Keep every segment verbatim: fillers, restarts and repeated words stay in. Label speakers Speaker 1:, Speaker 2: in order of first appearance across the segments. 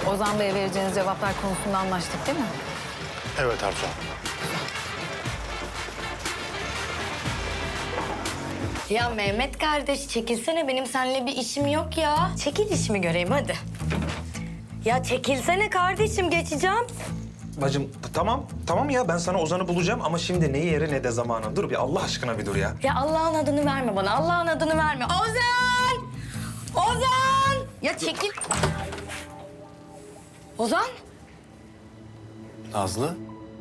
Speaker 1: Ozan Bey'e vereceğiniz cevaplar konusunda anlaştık değil mi?
Speaker 2: Evet Arzu.
Speaker 3: Ya Mehmet kardeş çekilsene, benim seninle bir işim yok ya. Çekil, işimi göreyim hadi. Ya çekilsene kardeşim, geçeceğim.
Speaker 4: Bacım tamam, tamam ya ben sana Ozan'ı bulacağım ama şimdi ne yeri ne de zamanı. Dur bir Allah aşkına bir dur ya.
Speaker 3: Ya Allah'ın adını verme bana, Allah'ın adını verme. Ozan! Ozan! Ya çekil. Ozan?
Speaker 2: Nazlı.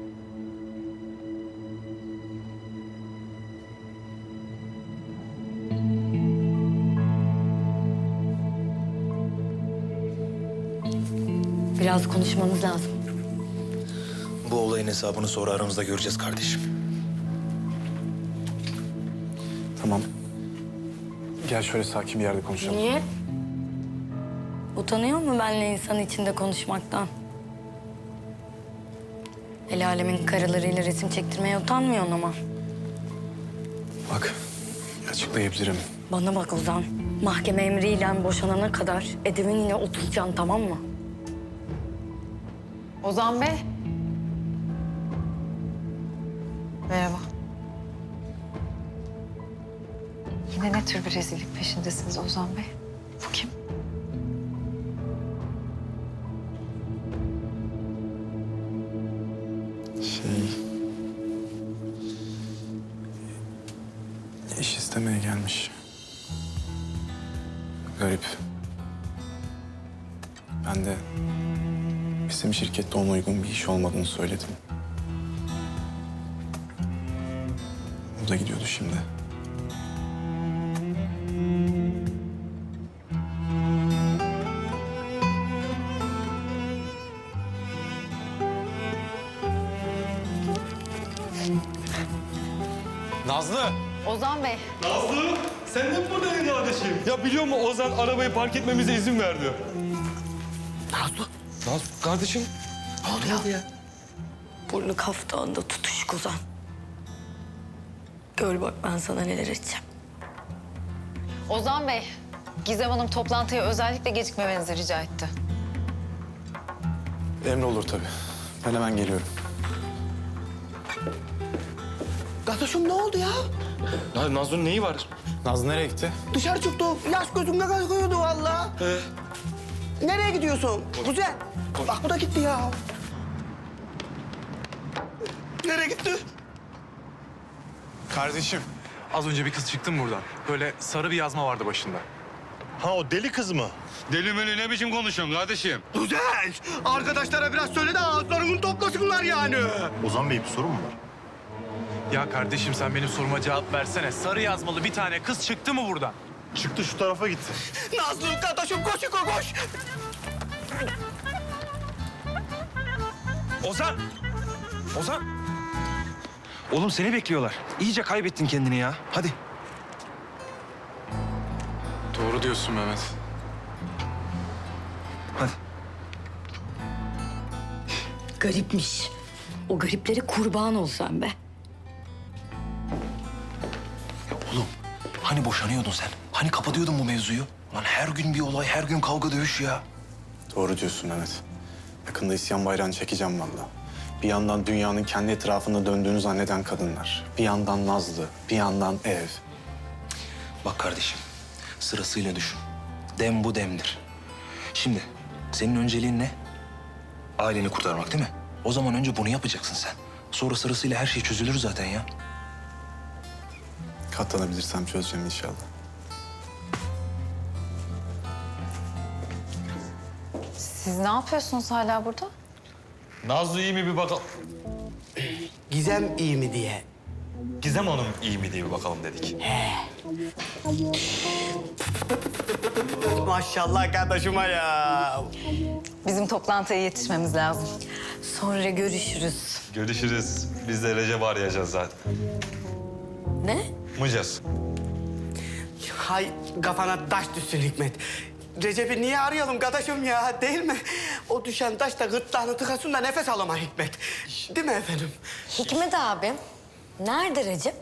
Speaker 3: Biraz konuşmamız lazım.
Speaker 4: Bu olayın hesabını sonra aramızda göreceğiz kardeşim.
Speaker 2: Tamam. Gel şöyle sakin bir yerde konuşalım.
Speaker 3: Niye? Utanıyor mu benle insan içinde konuşmaktan? El alemin karılarıyla resim çektirmeye utanmıyorsun ama.
Speaker 2: Bak, açıklayabilirim.
Speaker 3: Bana bak Ozan. Mahkeme emriyle boşanana kadar evimin yine oturacaksın, tamam mı?
Speaker 1: Ozan Bey. Merhaba. Yine ne tür bir rezillik peşindesiniz Ozan Bey? Bu kim?
Speaker 2: Şey... İş istemeye gelmiş. Garip. Ben de bizim şirkette ona uygun bir iş olmadığını söyledim. O da gidiyordu şimdi.
Speaker 5: Nazlı!
Speaker 1: Ozan Bey.
Speaker 5: Nazlı! Sen de mi buradaydın kardeşim? Ya biliyor musun Ozan arabayı park etmemize izin verdi.
Speaker 4: Nazlı.
Speaker 5: Nazlı kardeşim.
Speaker 4: Ne oldu ya?
Speaker 3: Burnu kaftağında tutuşuk Ozan. Gör bak ben sana neler edeceğim.
Speaker 1: Ozan Bey. Gizem Hanım toplantıya özellikle gecikmemenizi rica etti.
Speaker 2: Emre olur tabii. Ben hemen geliyorum.
Speaker 6: Kardeşim ne oldu ya?
Speaker 5: Ya Nazlı'nın neyi var?
Speaker 2: Nazlı nereye gitti?
Speaker 6: Dışarı çıktı. Yaş gözümde kalkıyordu vallahi.
Speaker 5: Ee,
Speaker 6: Nereye gidiyorsun? Güzel. Bak bu da gitti ya. Nereye gitti?
Speaker 7: Kardeşim, az önce bir kız çıktı mı buradan? Böyle sarı bir yazma vardı başında.
Speaker 2: Ha o deli kız mı?
Speaker 5: deli meli ne biçim konuşuyorsun kardeşim?
Speaker 6: Güzel. Arkadaşlara biraz söyle de ağızlarını toplasınlar yani.
Speaker 2: Ozan Bey bir sorun mu var?
Speaker 7: Ya kardeşim sen benim soruma cevap versene. Sarı yazmalı bir tane kız çıktı mı buradan?
Speaker 2: Çıktı şu tarafa gitti.
Speaker 6: Nazlı kardeşim koş koş koş.
Speaker 4: Ozan! Ozan! Oğlum seni bekliyorlar. İyice kaybettin kendini ya. Hadi.
Speaker 7: Doğru diyorsun Mehmet.
Speaker 4: Hadi.
Speaker 3: Garipmiş. O gariplere kurban ol sen be.
Speaker 4: Oğlum hani boşanıyordun sen? Hani kapatıyordun bu mevzuyu? Lan her gün bir olay, her gün kavga dövüş ya.
Speaker 2: Doğru diyorsun Mehmet. Yakında isyan bayrağını çekeceğim vallahi. Bir yandan dünyanın kendi etrafında döndüğünü zanneden kadınlar. Bir yandan Nazlı, bir yandan ev.
Speaker 4: Bak kardeşim, sırasıyla düşün. Dem bu demdir. Şimdi senin önceliğin ne? Aileni kurtarmak değil mi? O zaman önce bunu yapacaksın sen. Sonra sırasıyla her şey çözülür zaten ya.
Speaker 2: Katlanabilirsem çözeceğim inşallah.
Speaker 1: Siz ne yapıyorsunuz hala burada?
Speaker 5: Nazlı iyi mi bir bakalım.
Speaker 6: Gizem iyi mi diye.
Speaker 5: Gizem Hanım iyi mi diye bir bakalım dedik.
Speaker 6: Maşallah kardeşime ya.
Speaker 1: Bizim toplantıya yetişmemiz lazım.
Speaker 3: Sonra görüşürüz.
Speaker 5: Görüşürüz. Biz de Recep arayacağız zaten.
Speaker 3: Ne?
Speaker 5: Mıcaz.
Speaker 6: Hay kafana taş düşsün Hikmet. Recep'i niye arayalım kardeşim ya, değil mi? O düşen taş da gırtlağını tıkasın da nefes alama Hikmet. Değil mi efendim?
Speaker 3: Hikmet abi, nerede Recep?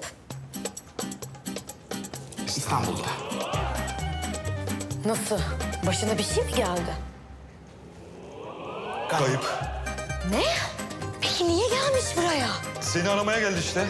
Speaker 6: İstanbul'da.
Speaker 3: Nasıl? Başına bir şey mi geldi?
Speaker 5: Kayıp.
Speaker 3: Ne? Peki niye gelmiş buraya?
Speaker 5: Seni aramaya geldi işte.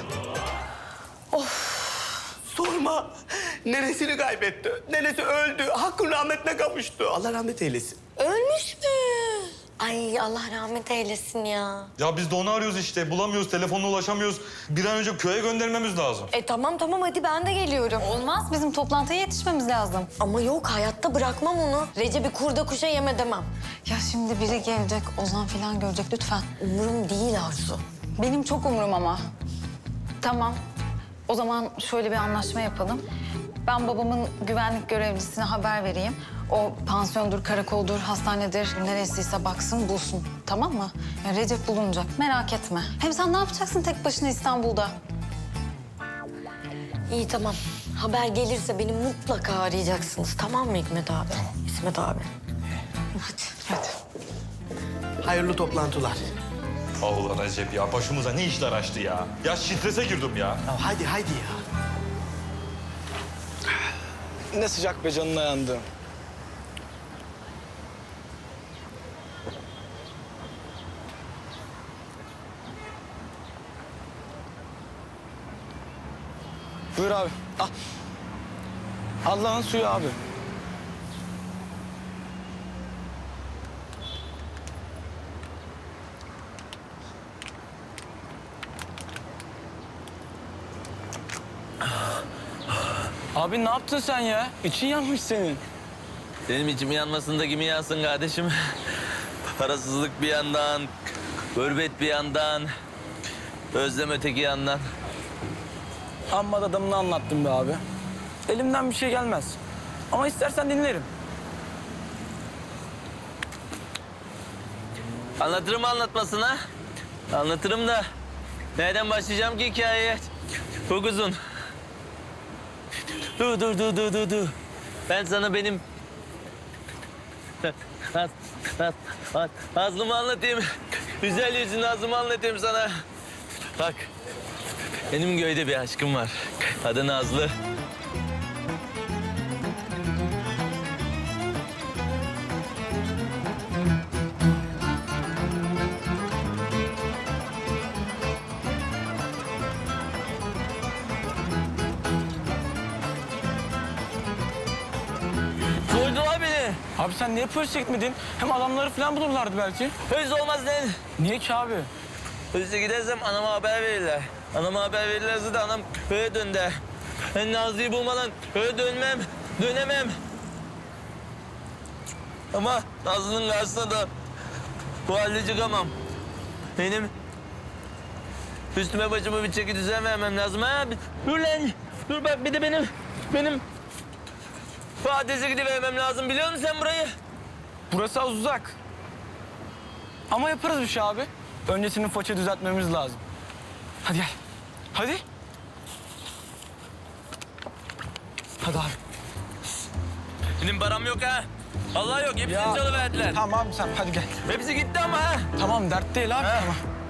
Speaker 6: Sorma. Nenesini kaybetti. Nenesi öldü. Hakkın rahmetine kavuştu. Allah rahmet eylesin.
Speaker 3: Ölmüş mü? Ay Allah rahmet eylesin ya.
Speaker 5: Ya biz de onu arıyoruz işte. Bulamıyoruz, telefonla ulaşamıyoruz. Bir an önce köye göndermemiz lazım.
Speaker 3: E tamam tamam hadi ben de geliyorum.
Speaker 1: Olmaz, bizim toplantıya yetişmemiz lazım.
Speaker 3: Ama yok hayatta bırakmam onu. Recep'i kurda kuşa yem edemem.
Speaker 1: Ya şimdi biri gelecek, Ozan falan görecek lütfen.
Speaker 3: Umurum değil Arzu.
Speaker 1: Benim çok umurum ama. Tamam. O zaman şöyle bir anlaşma yapalım. Ben babamın güvenlik görevlisine haber vereyim. O pansiyondur, karakoldur, hastanedir, neresiyse baksın, bulsun. Tamam mı? Yani Recep bulunacak, merak etme. Hem sen ne yapacaksın tek başına İstanbul'da?
Speaker 3: İyi tamam. Haber gelirse beni mutlaka arayacaksınız. Tamam mı Hikmet abi? Tamam. İsmet abi. Hadi.
Speaker 1: Hadi.
Speaker 6: Hayırlı toplantılar.
Speaker 5: Allah Recep ya, başımıza ne işler açtı ya. Ya strese girdim ya.
Speaker 6: Ya hadi hadi ya.
Speaker 8: Ne sıcak be canına yandı. Buyur abi. Al. Allah'ın suyu abi. Abi ne yaptın sen ya? İçin yanmış senin.
Speaker 9: Benim içim yanmasın da kimi yansın kardeşim? Parasızlık bir yandan, gurbet bir yandan, özlem öteki yandan.
Speaker 8: Amma da adamını anlattım be abi. Elimden bir şey gelmez. Ama istersen dinlerim.
Speaker 9: Anlatırım anlatmasına. Anlatırım da nereden başlayacağım ki hikayeye? Çok uzun. Dur dur dur dur dur dur. Ben sana benim Naz, Naz, Naz, Nazlı'mı anlatayım. Güzel yüzlü Nazlı'mı anlatayım sana. Bak, benim köyde bir aşkım var. Adı Nazlı. Koydular beni.
Speaker 8: Abi sen niye polise gitmedin? Hem adamları falan bulurlardı belki.
Speaker 9: Öz olmaz lan.
Speaker 8: Niye ki abi?
Speaker 9: Özde gidersem anama haber verirler. Anama haber verirlerse de anam köye dön der. Ben Nazlı'yı bulmadan köye dönmem, dönemem. Ama Nazlı'nın karşısına da bu halde çıkamam. Benim üstüme başıma bir çeki düzen vermem lazım. Ha? Dur lan, dur bak bir de benim, benim adrese gidivermem lazım. Biliyor musun sen burayı?
Speaker 8: Burası az uzak. Ama yaparız bir şey abi. Öncesinin faça düzeltmemiz lazım. Hadi gel. Hadi. Hadi abi.
Speaker 9: Benim param yok ha. Allah yok, hepsini çalıverdiler.
Speaker 8: Tamam abi sen hadi gel.
Speaker 9: Hepsi gitti ama ha.
Speaker 8: Tamam dert değil abi
Speaker 9: Ha.
Speaker 8: tamam.